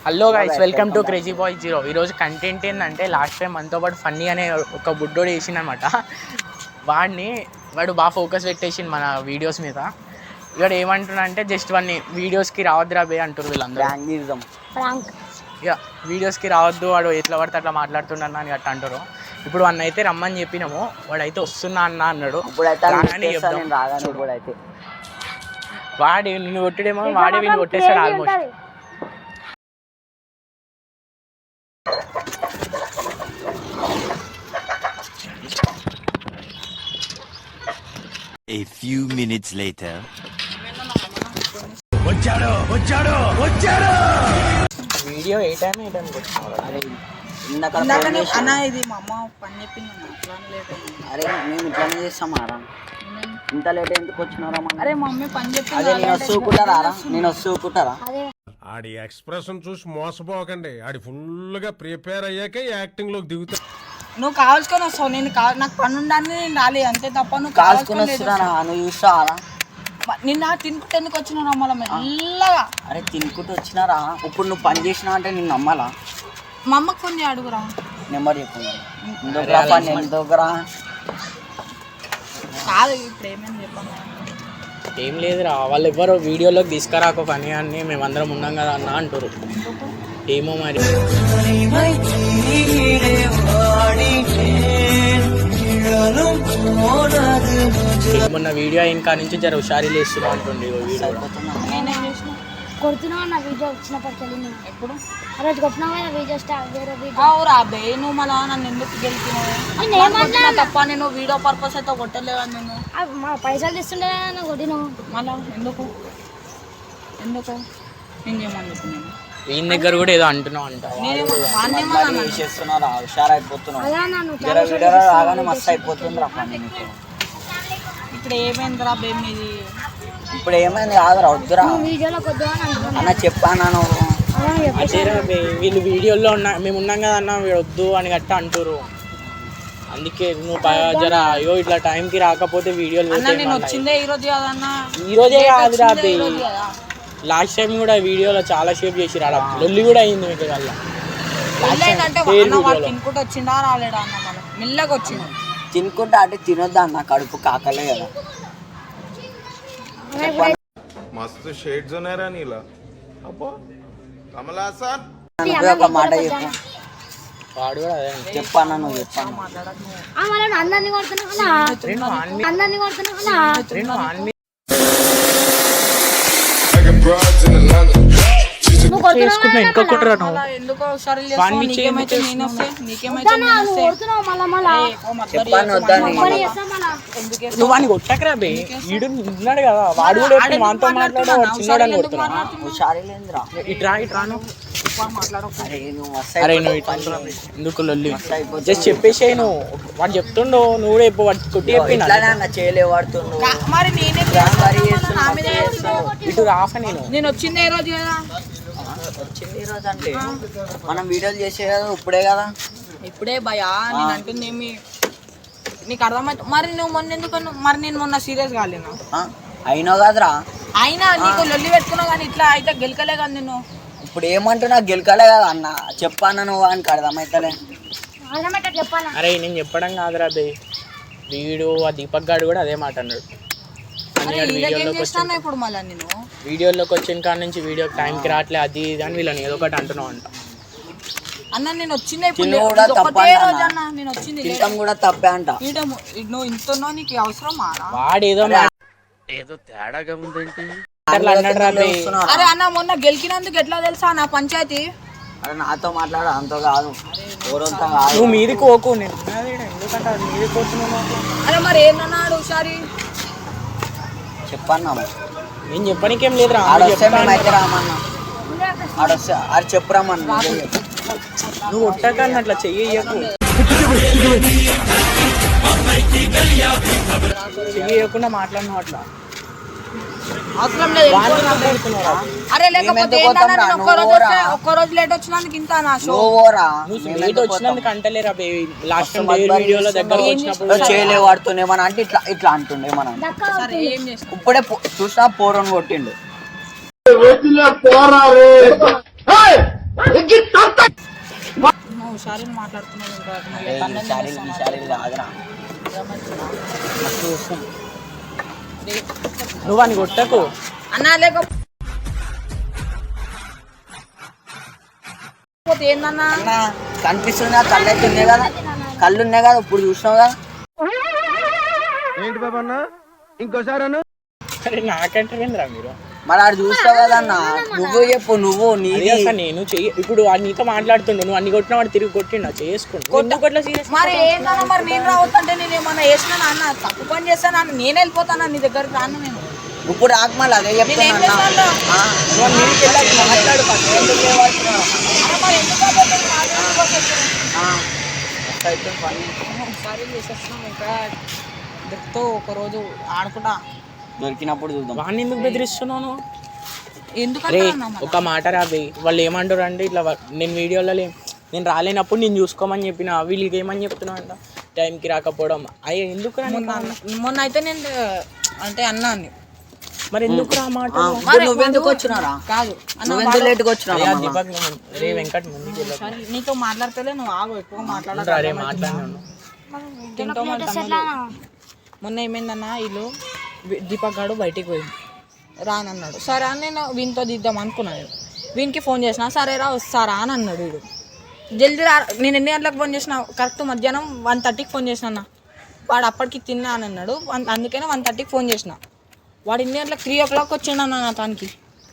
Hello guys, welcome to crazy boy zero. ఈరోజు content ఏంటంటే last time మనతో పాటు ఫన్నీ అనే ఒక బుడ్డోడు వేసిండనమాట. వాడు బాగా ఫోకస్ పెట్టేసిండు మన వీడియోస్ మీద. ఇక్కడ ఏమంటున్నా అంటే జస్ట్ వాడిని వీడియోస్కి రావద్దురా బే అంటారు వీళ్ళందరూ. ఇక వీడియోస్కి రావద్దు, వాడు ఎట్లా పడితే అట్లా మాట్లాడుతున్నాను అని అట్లా అంటారు. ఇప్పుడు వాడిని అయితే రమ్మని చెప్పినాము, వాడైతే వస్తున్నా అన్నాడు. వాడు నిన్ను కొట్టడేమో, వాడే వీళ్ళు కొట్టేస్తాడు almost. A few minutes later. Video ఏ టైం అన్న ఇది మా అమ్మ పని చెప్పింది అరే మేము ఇట్లానే చేస్తామారా ఇంత లేట్ ఎందుకు వచ్చినారా అరే మా మమ్మీ పని చెప్పింది అదే నేను వస్తుకుంటారా ఆడి ఎక్స్ప్రెషన్ చూసి మోసపోకండి. ఆడి ఫుల్ గా ప్రిపేర్ అయ్యాకే యాక్టింగ్ లోకి దిగుతా. నువ్వు కావాల్సుకొని వస్తావు, నేను నాకు పని ఉండాలని నేను రాలేదు అంతే తప్ప. నువ్వు కావాల్సుకొని వస్తున్నా, నువ్వు చూస్తావా నిన్న తినుకుంటే ఎందుకు వచ్చినా మళ్ళీ మెల్లగా. అరే తినుకుంటూ వచ్చినారా, ఇప్పుడు నువ్వు పని చేసినా అంటే నేను నమ్మాలా? మా అమ్మకి ఫోన్ చేయ అడుగురా, నెంబర్ చెప్పు. కాదు ఇప్పుడు ఏమేమి చెప్పాను. ఏం లేదురా, వాళ్ళు ఎవరో వీడియోలోకి తీసుకురాక పని అని మేమందరం ఉన్నాం కదా అన్న అంటారు. ఏమో మరి మొన్న వీడియో ఇంకా నుంచి జర హుషారీ లేస్తున్నా అంటుండే. కొడుతున్నావు అన్న వీడియో వచ్చినప్పటికెళ్ళి నేను ఎప్పుడు రోజు కొట్టినావు వీడియో వేరే వీడియో. అవురా బే, నువ్వు మళ్ళా నన్ను ఎందుకు గెలిచినావు తప్ప? నేను వీడియో పర్పస్ అయితే కొట్టలేవా? నేను మా పైసలు తీస్తుండే కొట్టినావు మళ్ళా ఎందుకు నేను చేయమని చెప్పినాను. ఈయన దగ్గర కూడా ఏదో అంటున్నావు అంట. ఇప్పుడు ఏమైందిరా బేమ్ ఇది? ఇప్పుడు ఏమైంది కాదురా, వద్దురా అన్న చెప్పాను. వీళ్ళు వీడియోలో మేము ఉన్నాం కదా అన్న, వద్దు అని గట్ట అంటారు. అందుకే నువ్వు జర అయ్యో ఇట్లా టైంకి రాకపోతే వీడియోలు వచ్చిందే ఈరోజు కాదన్నా. ఈరోజే కాదురా బే, లాస్ట్ టైం కూడా వీడియోలో చాలా షేప్ చేసి రాడా, లొల్లి కూడా అయింది మీకు వల్ల. తినుకుంటూ వచ్చిందా రాలేడా అన్న? మనం మెల్లగా వచ్చింది తినుకుంటా అంటే తినొద్దా అన్న, కడుపు కాకలే కదా. మస్తు షేడ్స్ ఉన్నారా నీలా? అబ్బో కమల్ హాసన్ ఒక మాట చెప్పు. వాడు కూడా అదే చెప్పాను, నువ్వు చెప్పాను. అందరినీ కొడుతున్నా చేసుకుంటున్నా ఇంకా కొట్టరా నువ్వు. నువ్వు వాడిని కొట్టకరా బే, వీడు ఉన్నాడు కదా, వాడు కూడా మనతో మాట్లాడు చిన్నోడు అని కొడుతున్నా. ఇట్రా అరే నువ్వు ఎందుకు లొల్లి జస్ట్ చెప్పేసి నువ్వు. వాడు చెప్తుండో నువ్వు కూడా చెప్పు, వాడు కొట్టి చెప్పిన ఇటు రాఫ. నేను వచ్చింది ఏ రోజు కదా, వచ్చింది ఈ రోజు అంటే మనం వీడియోలు చేసే కదా ఇప్పుడే కదా. ఇప్పుడే భయా నేను అంటుంది ఏమి నీకు అర్థమైతే. మరి నువ్వు మొన్న ఎందుకు? మరి నేను మొన్న సీరియస్ కాలేను అయినా కదరా, అయినా నీకు లొల్లి పెట్టుకున్నావు కానీ ఇట్లా అయితే గెలకలే కదా నేను. ఇప్పుడు ఏమంటున్నా గెలకలే కదా అన్న, చెప్పాను నువ్వు అని అర్థమైతలే. అరే నేను చెప్పడం కాదురా బే, వీడు ఆ దీపక్ గాడు కూడా అదే మాట అన్నాడు. ఇప్పుడు మళ్ళీ నేను వీడియోలోకి వచ్చిన కాడ నుంచి వీడియో టైంకి రావట్లే అది ఇది అని వీళ్ళని ఏదో ఒకటి అంటున్నావు అంట. అన్న నేను వచ్చింది నేను వచ్చింది కూడా తప్పే అంట. నువ్వు ఇంత నీకు అవసరమా? వాడేదో ఏదో తేడాగా ఉందేంటి అన్నాడు రా బే. అరే అన్న మొన్న గెలికినందుకు ఎట్లా తెలుసా నా పంచాయతీ? అరే నాతో మాట్లాడు, అంత కాదు. నువ్వు మీదికి పోకు, నేను ఎందుకంటే మీదికి పోతున్నావు. అరే మరి ఏమన్నాడు ఒకసారి చెప్పన్నా. నేను చెప్పడానికేం లేదురా, అయితే రామన్నా అది చెప్పురామన్నా. నువ్వు ఒట్టకన్నా అట్లా చెయ్యకు, చెయ్యకుండా మాట్లాడినావు అట్లా. అవసరం లేదు. అరే లేకపోతే ఒక్క రోజు లేట్ వచ్చినందుకు ఇంత నా షో లేట్ వచ్చినందుకు అంటలేరా లాస్ట్ టైం వీడియోలో దగ్గర వచ్చినప్పుడు చేయలే వాడుతూనేమన్నా అంటే ఇట్లా ఇట్లా అంటుండే. మనం ఇప్పుడే చూసినా పోరని కొట్టిండు. నువ్వు షారీని మాట్లాడుతున్నావు ఇంకా కాదురా నువ్వు అని కొట్టకు. అన్నా లేకపోతే ఏందన్నా అన్న కనిపిస్తుందా? కళ్ళు అయితే ఉన్నాయి కదా, కళ్ళు ఉన్నాయి కదా, ఇప్పుడు చూసినావు కదా. ఏంటి బాబా అన్న ఇంకోసారి అన్న అరే నాకంటే ఏందిరా మీరు? మరి ఆడు చూస్తావు కదా అన్న, నువ్వు చెప్పు, నువ్వు అది నీది. అసలు నేను చెయ్యి ఇప్పుడు వాడు నీతో మాట్లాడుతుండు, నువ్వు అన్ని కొట్టినా వాడు తిరిగి కొట్టిండు చేసుకుంటా. మరి ఏందన్నా మరి నేను రావద్దంటే నేను ఏమన్నా వేసినా అన్న తప్పు పని చేస్తాను అన్న, నేను వెళ్ళిపోతాను నీ దగ్గరికి రాను నేను. ఇప్పుడు ఆగమని అదే చెప్తాను నేనేం అన్న. చేస్తాను? మాట్లాడు అరే మరి ఎందుకు అబద్ధాలు మాట్లాడుకోవచ్చు? ఒకసారి చేసేస్తున్నాం ఇంకా దొరుకుతూ ఒకరోజు ఆడుకుంటా. దొరికినప్పుడు చూద్దాం. వాడిని ఎందుకు బెదిరిస్తున్నాను? ఎందుకంటే రే అన్న మరి? ఒక మాట రాబే, వాళ్ళు ఏమంటారు అంటే ఇట్లా నేను వీడియోలో నేను రాలేనప్పుడు నేను చూసుకోమని చెప్పిన, వీళ్ళకి ఏమని చెప్తున్నావు అంట టైంకి రాకపోవడం. అయ్యా ఎందుకు మొన్న అయితే నేను అంటే అన్నా అని మరి ఎందుకు రా మాట? ఇప్పుడు నువ్వెందుకు వచ్చినారా? కాదు అన్న నువ్వెందుకు లేట్గా వచ్చినారా? దీపక్ రే వెంకట్ ముందుకు వెళ్ళకు. సరే, నీతో మాట్లాడతలే నువ్వు ఆగు, ఎక్కువ రే మాట్లాడాలి. మాట్లాడినాను. తింటూ మన తమ్ముడు మొన్న ఏమైందన్నా వీళ్ళు దీపక్ గాడు బయటికి పోయింది రానన్నాడు. సరే అని నేను వీనితో దిద్దాం అనుకున్నాను. వీనికి ఫోన్ చేసిన, సరే రా వస్తారా అని అన్నాడు వీడు. జల్దీ రా. నేను ఎన్ని గంటలకు ఫోన్ చేసిన? కరెక్ట్ మధ్యాహ్నం 1:30కి ఫోన్ చేసిన అన్న. వాడు అప్పటికి తిన్నా అని అన్నాడు, అందుకనే 1:30కి ఫోన్ చేసిన. వాడు ఎన్ని గంటలకు 3 o'clock వచ్చిండన్న నా తనకి.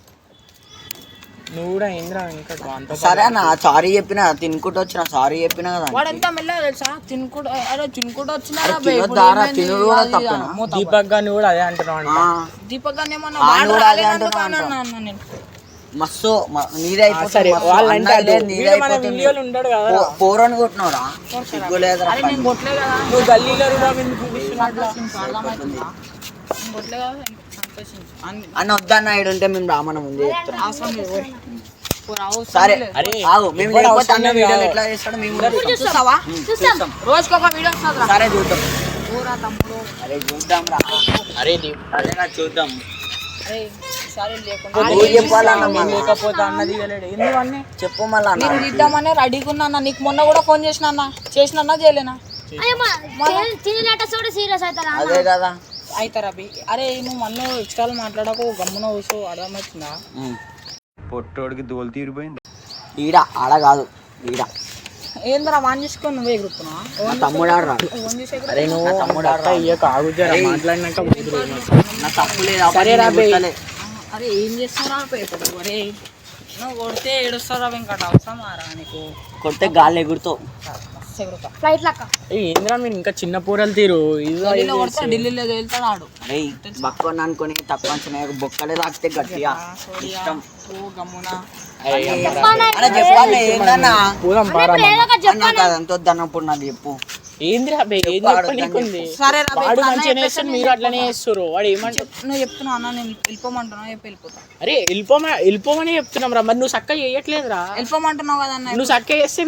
నువ్వు కూడా ఏంద్రా వెంకట్ అంత సరే అన్న, సారీ చెప్పిన, తినుకుంటూ వచ్చిన, సారీ చెప్పిన కదా. వాడు ఎంత మెల్లగా తెలుసా తినుకుంటూ, అరే తినుకుంటూ వచ్చినారా అరే తినొద్దారా? తినుడు కూడా తప్పేనా? దీపక్ గారిని కూడా అదే అంటున్నావు అంట. దీపక్ గారిని ఏమన్నా ఆ, వాడు నువ్వు అదే రాలేనందుకు అంటున్నావు అని అన్నా నేను. మస్తు నీదే అయిపోతుంది. సరే మస్తు వాళ్ళంటే అన్నది లేదు, నీదే మన అయిపోతుంది. వీడియోలు ఉంటాడు కదా. పోరని కొట్టినవరా? సిగ్గులేదురా. అరే నేను కొట్టలే కదా, నువ్వు గల్లీలో కూడా ఎందుకు చూపిస్తున్నావు అట్లా? అర్థమవుతుందా? నేను కొట్టలే కదా, సంతోషించు. అన్న వద్దన్న ఈడు ఉంటే మేము రామన్న ముందే చెప్తున్నాం. అవసరం లేదు ఓయ్. పోరా, అవసరం సరే లేదు. అరే ఆగు, మేము ఎవ్వడు లేకపోతే అవసరం అన్న లేదు వీడియోలు కాదు. ఎట్లా చేస్తాడు మేము కూడా చూస్తాం. చూస్తావా? చూస్తాం. రోజుకి ఒక వీడియో వస్తుందిరా. సరే చూద్దాం. పోరా తమ్ముడు. అరే చూద్దాం రా. అరే దీప్ అదే నా చూద్దాం. అరే ఈసారి లేకుండా నువ్వు చెప్పాలన్న నేను మళ్ళా. లేకపోతే అన్నది ఇవ్వలేడు ఎందుకు అన్నీ చెప్పు మళ్ళా అన్న. నేను దిద్దామని రెడీగా ఉన్నా అన్న. నీకు మొన్న కూడా ఫోన్ చేసిన అన్న, చేసినా చేయలేనా? తినేట చూడు సీరియస్ అవుతారా? అదే కదా. అవుతారా అభి? అరే నువ్వు మళ్ళీ ఎక్స్ట్రాలు మాట్లాడకు, గమ్మున కూర్చో. అర్థమవుతుందా? పొట్టోడికి దోలు తీరిపోయింది. ఈడ ఆడ కాదు, ఈడ ఏంద్రా వాన్ చేసుకొని నువ్వే ఎగురుతున్నా? నా తమ్ముడు ఆడ రాడు. ఫోన్ చేసే అరే నువ్వు తమ్ముడు అట్లా ఇయ్యక ఆగుతారా మాట్లాడినాక వదిలేయ్. నా తప్పు లేదు. సరే రా బే. అరే ఏం చేస్తారా ఇప్పుడు? అరే నువ్వు కొడితే ఏడుస్తారా వెంకట? అవసరమా రా నీకు? కొడితే గాలి ఎగురుతావు. మస్తు ఎగురుతా. ఫ్లైట్ లక్క. ఏంద్రా మీరు ఇంకా చిన్న పూరలు తీరు ఇది ఢిల్లీలో కొడితే ఢిల్లీలో వెళ్తాడు ఆడు. అరే బక్కని అనుకొని తక్కువ అంచనా బొక్కలే తాకితే గట్టిగా ఇష్టం. ఓ గమ్మున. అరే అరే చెప్పాలి ఏందన్నా? పూరం పారా అన్న కాదంత వద్దన్నప్పుడు నాకు చెప్పు. ఏంద్రా బే ఏం చెప్పనీకుంది? సరే రా బే, వాడు ఇప్పుడు అన్న మంచిగా చెప్పేసి చేస్తారు, మీరు అట్లనే చేస్తారు. వాడు ఏమంటారు? నువ్వు చెప్తున్నావు అన్న, నేను వెళ్ళిపోమంటున్నావు, చెప్పి వెళ్ళిపోతా. అరే వెళ్ళిపోమని చెప్తున్నాం రా, మరి నువ్వు చక్కగా చేయట్లేదురా. వెళ్ళిపోమంటున్నావు కదా అన్న. నువ్వు చక్కగా చేస్తే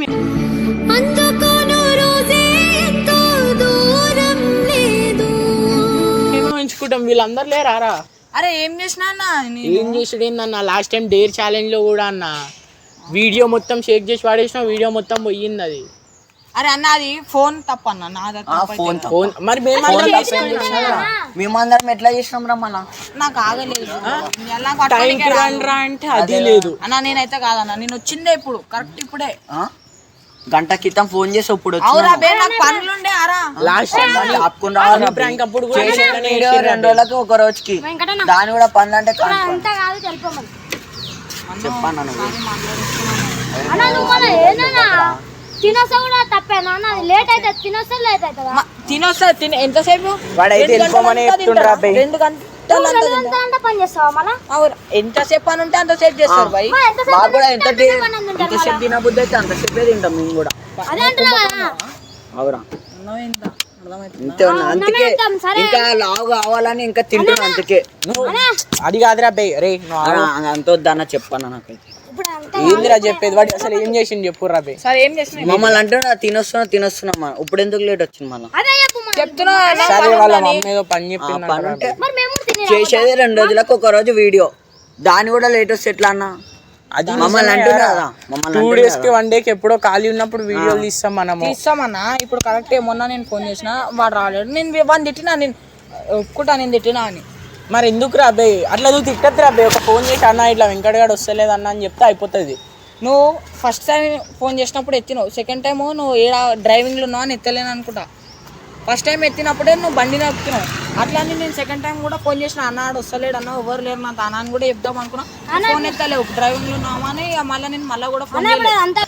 మేము ఎంచుకుంటాం, వీళ్ళందరూ లేరా? అరే ఏం చేసినా అన్న ఏం చేసాడు ఏందన్న? లాస్ట్ టైం డేర్ ఛాలెంజ్ లో కూడా అన్న వీడియో మొత్తం షేక్ చేసి వాడేసిన, వీడియో మొత్తం పోయింది అది. అరే అన్న అది ఫోన్ తప్ప అన్న, నాది ఫోన్ ఫోన్ మరి మేమందరం మేమందరం ఎట్లా చేసినాం రా మళ్ళా? నాకు ఆగలేదు. ఎలా టైంకి రండిరా అంటే అది లేదు. అన్న నేనైతే కాదన్న, నేను వచ్చిందే ఇప్పుడు కరెక్ట్ ఇప్పుడే. గంట క్రితం ఫోన్ చేసి ఇప్పుడు అవురా బే, నాకు పనులుండే అరా. లాస్ట్ టైం ప్రాంక్ అప్పుడు కూడా వీడియో 2 రోజులకి ఒక రోజుకి వెంకటన్న దాని కూడా పనులు అంటే అంతా కాదు తెలిపోమని చెప్పాను నువ్వు. అన్న నువ్వు మన ఏదన్నా తినొస్తా కూడా తప్పేనా అన్న? అది లేట్ అయితే తినొస్తా లేట్ అవుతుందా? తినొస్తా ఎంతసేపు? వాడైతే వెళ్ళిపోమని చెప్తుండ్రా బే. 2 గంటలు అంటే పని చేస్తావా మళ్ళా? అవును, ఎంతసేపు అని ఉంటే అంతసేపు చేస్తారు భయ్. మాకు కూడా ఎంతసేపు తినబుద్ధి అయితే అంతసేపే తింటాం మేము కూడా. అదే అంటున్నా కదా. అవురా అర్థమైందా? అర్థమైంది. అంతే ఉన్నా. అందుకే ఇంకా లావు కావాలని ఇంకా తింటున్నా. అందుకే అది కాదురా బే. రే నువ్వు అంత వద్దన్న చెప్పాను నాకైతే. ఇప్పుడు అంతా ఏందిరా చెప్పేది? వాడు అసలు ఏం చేసింది చెప్పురా బే. సరే ఏం చేసిన మమ్మల్ని అంటున్నా తినొస్తున్నా ఇప్పుడు ఎందుకు లేట్ వచ్చింది మళ్ళీ? అదే చెప్పు మరి. చెప్తున్నా సరే వాళ్ళ మమ్మీ ఏదో పని చెప్పింది పని ఉంటే మరి మేము తినే చేసేది 2 రోజులకు ఒక రోజు వీడియో, దాని కూడా లేట్ వస్తే ఎట్లా అన్న? అది మమ్మల్ని అంటున్నా కదా, మమ్మల్ని 2 days కి 1 day కి ఎప్పుడో ఖాళీ ఉన్నప్పుడు వీడియోలు తీస్తాం మనము. తీస్తామన్నా. ఇప్పుడు కరెక్టే, మొన్న నేను ఫోన్ చేసిన వాడు రాలేడు. నేను వాడిని తిట్టినా, నేను ఒప్పుకుంటా నేను తిట్టినా అని. మరి ఎందుకు రాబే అట్లా నువ్వు తిట్టద్దు రాబే. ఒక ఫోన్ చేసి అన్న ఇట్లా వెంకటగాడు వస్తలేదు అన్న అని చెప్తే అయిపోతుంది. నువ్వు ఫస్ట్ టైం ఫోన్ చేసినప్పుడు ఎత్తినావు, సెకండ్ టైం నువ్వు ఏ డ్రైవింగ్లో ఉన్నావు అని ఎత్తలేను అనుకుంటా. ఫస్ట్ టైం ఎత్తినప్పుడే నువ్వు బండి నడుపుతున్నావు. అట్లా అని నేను సెకండ్ టైం కూడా ఫోన్ చేసిన, అన్నాడు వస్తలేడు అన్న, ఎవరు లేరు నా తానా అని కూడా చెప్దాం అనుకున్నా. ఫోన్ ఎత్తలేవు, డ్రైవింగ్లో ఉన్నామా అని. మళ్ళీ నేను మళ్ళీ కూడా ఫోన్ చేయలేదు.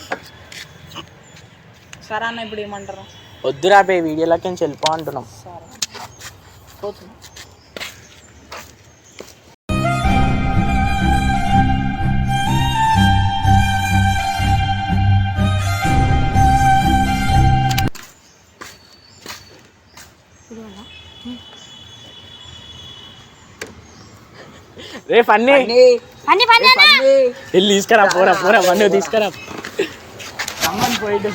సరే అన్న, ఇప్పుడు ఏమంటారు? వద్దు రాబే, వీడియోలకి నుంచి వెళ్ళిపో అంటున్నాం. పోతుంది. రే ఫన్నీ వెళ్ళి తీసుకురా, పోరా పోరా ఫన్నీ తీసుకురా. రమ్మని పోయిட்டு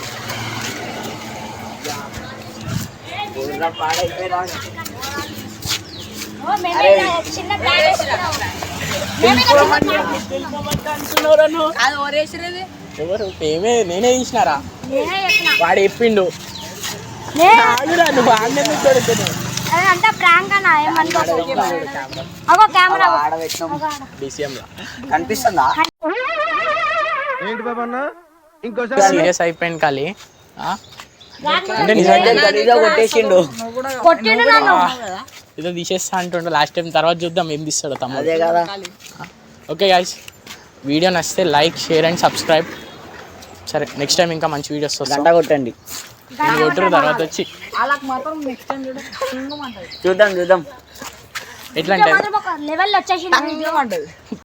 ఎవరు నేనే తీసినారా? వాడు చెప్పిండు. నువ్వు అంతా ప్రాంక్ అన్న, అగో కెమెరా కనిపిస్తుందా? సీరియస్ అయిపోయింది ఖాళీ. అంటే గలీజా కొట్టేసిండు. కొట్టిండు నన్ను. ఏదో తీసేస్తా అంటుండు లాస్ట్ టైం. తర్వాత చూద్దాం ఏం తీస్తాడో తమ్ముడు. అదే కదా. ఓకే గైస్, వీడియో నచ్చితే లైక్, షేర్ అండ్ సబ్స్క్రైబ్. సరే, నెక్స్ట్ టైం ఇంకా మంచి వీడియోస్ వస్తాయి. గంట కొట్టండి. కొట్టరు తర్వాత వచ్చి వాళ్ళకి మాత్రం నెక్స్ట్ టైం చూడండి. చూద్దాం ఎట్లా అంటే లెవెల్ వచ్చేసి అంటది